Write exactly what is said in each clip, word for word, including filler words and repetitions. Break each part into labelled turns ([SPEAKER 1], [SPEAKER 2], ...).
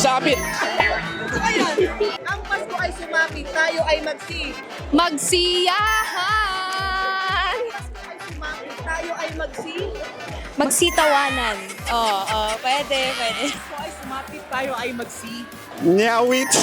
[SPEAKER 1] Sabit.
[SPEAKER 2] Ayan. Ang Pasko ay sumapit, tayo ay magsi.
[SPEAKER 3] Magsiyahan!
[SPEAKER 2] Pasko ay sumapit, tayo ay magsi.
[SPEAKER 3] Magsitawanan. Oo, oh, pwede, pwede.
[SPEAKER 2] Pasko ay sumapit, tayo ay magsi.
[SPEAKER 1] Nyawit.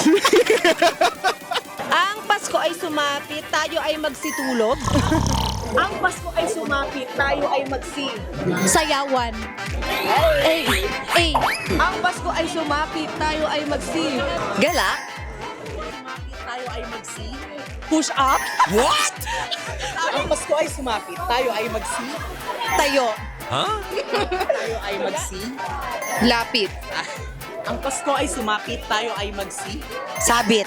[SPEAKER 3] Ang Pasko ay sumapit, tayo ay magsitulog.
[SPEAKER 2] Ang Pasko ay sumapit, tayo ay magsi.
[SPEAKER 3] Sayawan. Ay, ay.
[SPEAKER 2] Ang Pasko ay sumapit, tayo ay magsi.
[SPEAKER 3] Gala.
[SPEAKER 2] Sumapit, tayo ay magsi.
[SPEAKER 3] Push up.
[SPEAKER 1] What?
[SPEAKER 2] Ang Pasko ay sumapit, tayo ay magsi.
[SPEAKER 3] Tayo.
[SPEAKER 2] Tayo ay magsi.
[SPEAKER 3] Lapit.
[SPEAKER 2] Ang Pasko ay sumapit, tayo ay magsi.
[SPEAKER 3] Sabit.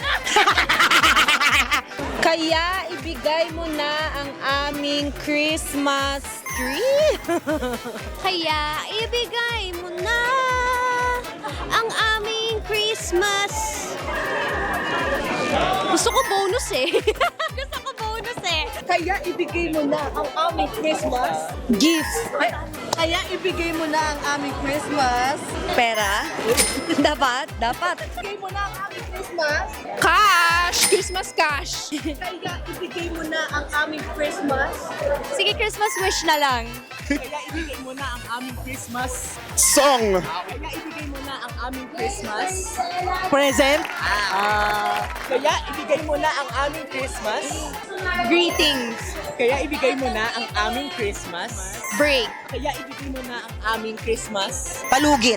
[SPEAKER 3] Kaya ibigay mo na ang aming Christmas tree. Kaya ibigay mo na ang aming Christmas. Gusto ko bonus eh. Gusto ko bonus eh.
[SPEAKER 2] Kaya ibigay mo na ang aming Christmas.
[SPEAKER 3] Gifts.
[SPEAKER 2] Ay, kaya ibigay mo na ang aming Christmas.
[SPEAKER 3] Pera. Dapat, dapat.
[SPEAKER 2] Ibigay mo na ang aming Christmas.
[SPEAKER 3] Cash! Christmas cash.
[SPEAKER 2] Kaya ibigay mo na ang aming Christmas.
[SPEAKER 3] Sige, Christmas wish na lang.
[SPEAKER 2] Kaya ibigay mo na ang aming Christmas.
[SPEAKER 1] Song.
[SPEAKER 2] Kaya ibigay mo na ang aming Christmas.
[SPEAKER 3] Present.
[SPEAKER 2] Ah, kaya ibigay mo na ang aming Christmas.
[SPEAKER 3] Greetings.
[SPEAKER 2] Kaya ibigay mo na ang aming Christmas.
[SPEAKER 3] Break.
[SPEAKER 2] Kaya ibigay mo na ang aming Christmas.
[SPEAKER 3] Palugit.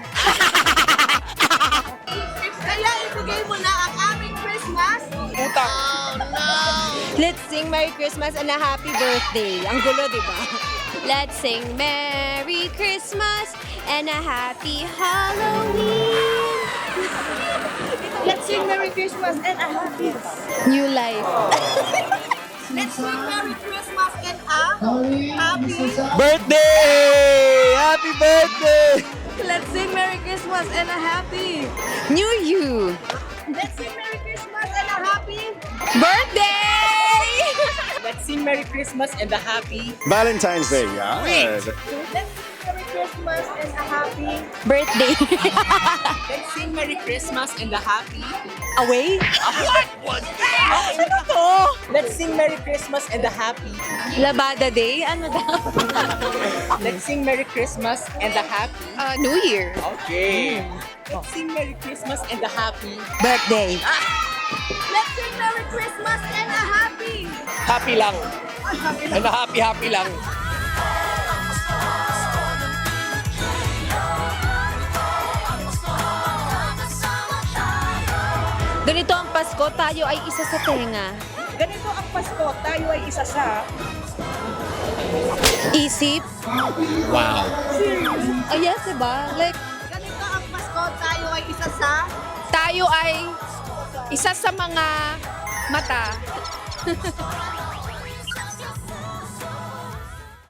[SPEAKER 2] Kaya ibigay mo na ang aming Christmas.
[SPEAKER 1] Utang.
[SPEAKER 3] Let's sing Merry Christmas and a Happy Birthday. Ang gulo, di ba? Let's sing Merry Christmas and a Happy Halloween.
[SPEAKER 2] Let's sing Merry Christmas and a happy.
[SPEAKER 3] New life.
[SPEAKER 2] Let's sing Merry Christmas and a happy.
[SPEAKER 1] Birthday! Happy birthday!
[SPEAKER 2] Let's sing Merry Christmas and a happy.
[SPEAKER 3] New you.
[SPEAKER 2] Let's sing Merry Christmas and a happy.
[SPEAKER 3] Birthday!
[SPEAKER 2] Let's sing Merry Christmas and a happy.
[SPEAKER 1] Valentine's Day. Yeah.
[SPEAKER 2] Let's sing Merry Christmas and a happy.
[SPEAKER 3] Birthday.
[SPEAKER 2] Let's sing Merry Christmas and a happy.
[SPEAKER 3] Away? Ano to?
[SPEAKER 2] Let's sing Merry Christmas and a happy.
[SPEAKER 3] Labada Day? Ano daw?
[SPEAKER 2] Let's sing Merry Christmas and a happy.
[SPEAKER 3] Uh, New Year.
[SPEAKER 2] Okay. Let's sing Merry Christmas and a happy.
[SPEAKER 3] Birthday.
[SPEAKER 2] Let's sing Merry Christmas and a happy.
[SPEAKER 1] Happy lang. And happy, happy lang.
[SPEAKER 3] Ganito ang Pasko, tayo ay isa sa tenga.
[SPEAKER 2] Ganito ang Pasko, tayo ay isa sa...
[SPEAKER 3] Isip.
[SPEAKER 1] Wow.
[SPEAKER 3] Oh yes, diba? Like,
[SPEAKER 2] Ganito ang Pasko, tayo ay isa sa...
[SPEAKER 3] tayo ay isa sa mga mata.